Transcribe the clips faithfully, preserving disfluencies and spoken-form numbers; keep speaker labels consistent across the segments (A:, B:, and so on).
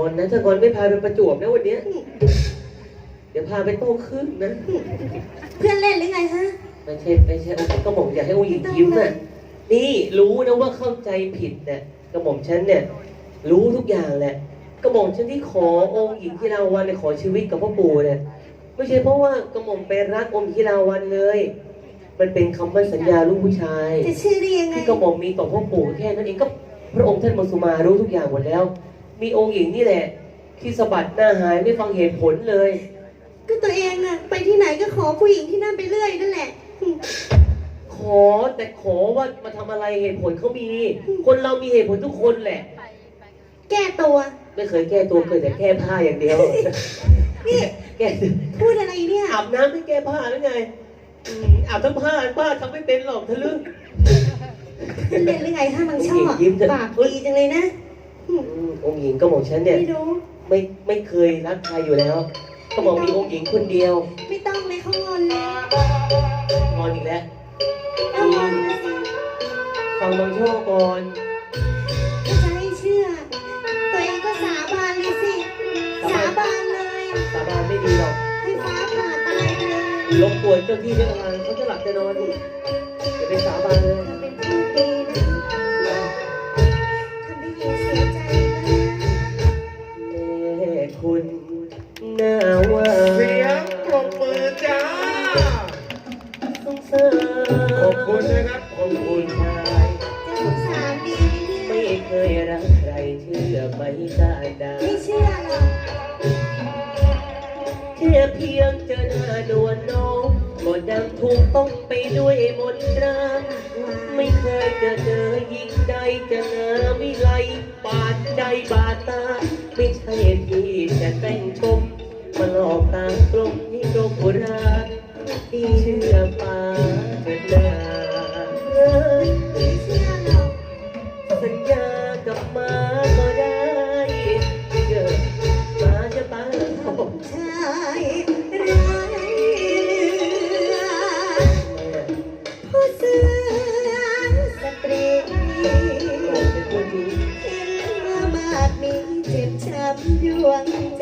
A: อนนะถ้างอนไม่พาไปประจวบนะวันเนี้ยเดี๋ยวพาไปโต้ครึ่งนะ
B: เพื่อนเล่นหรือไงฮะ
A: ไม่ใช่ไม่ใช่องค์กระหม่อมอยากให้องค์หญิงยิ้มน่ะนี่รู้นะว่าเข้าใจผิดเนี่ยกระหม่อมฉันเนี่ยรู้ทุกอย่างแหละกระหม่อมฉันที่ขอองค์หญิงที่ราวันเนี่ยขอชีวิตกับพ่อปู่เนี่ยไม่ใช่เพราะว่ากระหม่อมไปรักองค์ที่ราวันเลยมันเป็นคำมั่นสัญญาลูกผู้ชาย
B: จะชื่อได้ยังไง
A: ที่กระหม่อมมีต่อพ่อปู่แค่นั้นเองก็พระองค์ท่านมังสุมารู้ทุกอย่างหมดแล้วมีองค์หญิงนี่แหละที่สะบัดหน้าหายไม่ฟังเหตุผลเลย
B: ก็ตัวเองอะไปที่ไหนก็ขอผู้หญิงที่นั่นไปเรื่อยนั่นแหละ
A: ขอแต่ขอว่ามาทำอะไรเหตุผลเขามีคนเรามีเหตุผลทุกคนแหละ
B: แก้ตัว
A: ไม่เคยแก้ตัวเคยแต่แก้ผ้าอย่างเดียว
B: นี่
A: แก้
B: พูดอะไรเนี่ย
A: อาบน้ำไม่แก้ผ้าหรือไงอาบทั้งผ้าผ้าทำไม่เป็นหรอกทะลึ่ง
B: เล่นหรือไงถ้ามันชอบปากดีจังเลยนะ
A: องค์หญิงก็บอกฉันเนี่ยไม่ไม่เคยรักใครอยู่แล้วก็บอกมีองค์หญิงคนเดียว
B: ไม่ต้องเลยเขางอนแล้ว
A: งอนอีกแล้วฟังบางช่อก่อน
B: จะให้เชื่อตัวเองก็สาบานเลยสิสาบานเลย
A: สาบานไม่ดีหรอก
B: ให้ฟ้าผ่าตายเลย
A: รบกวนเจ้าที่เจ้าทางเขาจะหลับจะนอนอย่าไปสาบานเลย
B: ทำเป็นผู้ดีนะทำให้หญิงเสียใจ
A: นะแม่คุณน่าว่า
C: เสียงปรบมือจ้า
A: สงสาร
C: ขอบคุณนะครับ
A: ขอบคุณชาย
B: จะสงสารดี
A: ไม่เคยรักใครเชื่อไม่ได้
B: ไม่เชื่อหรอก
A: แค่เพียงเจอหน้านวลน้องก็ดังถูกต้องไปด้วยมนตราไม่เคยจะเจอยิ่งใดจะเนอวิไลบาดใจบาดตาไม่ใช่ที่จะแต่งชมมาหลอกตากลมให้โดนโบราณที่เชื่อป่าเถิดนา
B: ไม่เชื่อหรอก
A: สัญญากับมาก็ได้เกิดมาจะตาย
B: ชายร้ายเลือผู้เสือสตรีเห็นว่าบาดนี้เจ็บช้ำดวงใจ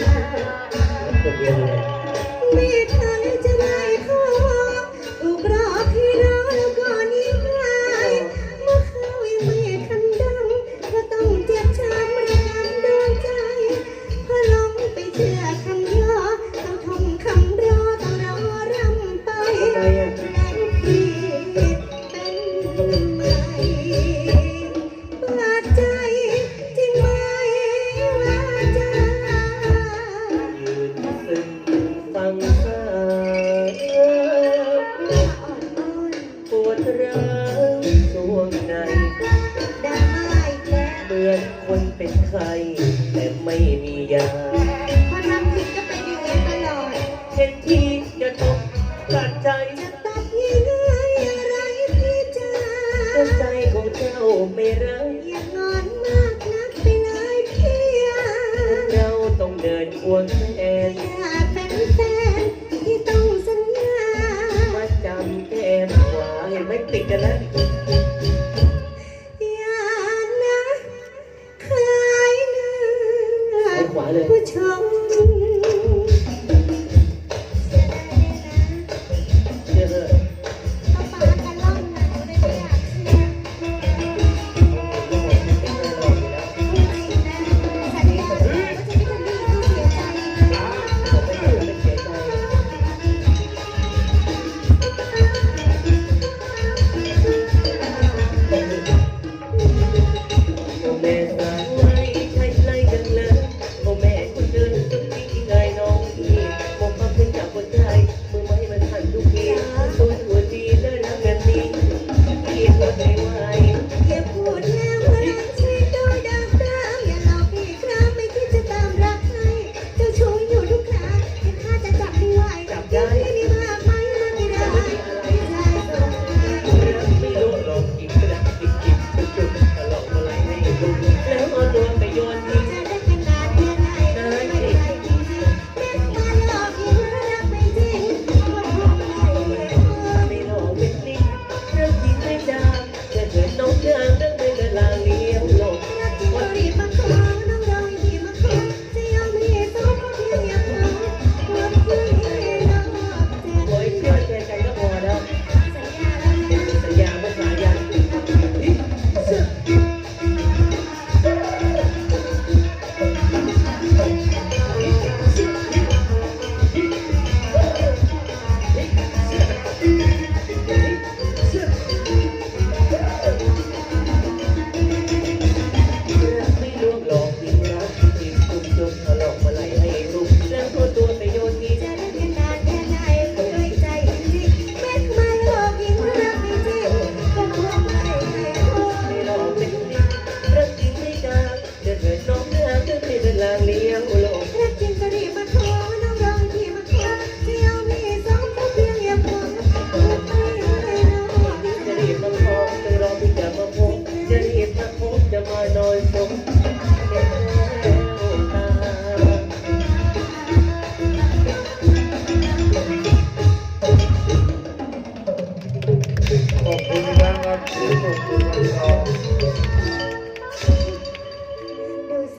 B: ไม่ทันจะได้ขอถูกรอที่รอแล้วก็นิ่งหายเมื่อเขายังไม่ทันดังก็ต้องเจ็บช้ำระกำดวงใจพอลงไปเชื่อคำย่อต้องทำคำรอต้องรอรำไปแล้วพี่เป็นไหมบาดใจจริงไหมว่าจะ
A: ฟังสายปวดร้าวช่วงใน
B: ดังไม่แก่
A: เหมือนคนเป็นไข้แต่ไม่มียา
B: พอทำผิดก็เป็นอย่างนี้ตลอด
A: เห็นที่จะตกตัดใจ
B: จะตัดยังไงอะไรพี่จ๋า
A: ใจของเจ้าไม่ร้าย
B: อย่างงอนมากนักไปเลยพี่
A: เราต้องเดินควงแขน
B: อยากเป็นแฟนที่ต้องสัญญา
A: มาจำแก้มขวาเห็นไหมติดกันแล้ว
B: อย่านะคลายเนื้อผู้ชม
A: แม่สาวไล่ใช่ไล่กันเลยโอ้แม่คนเดินพบจะมานอนสมแก้วตา
C: ขอบคุณครับขอบคุณครับ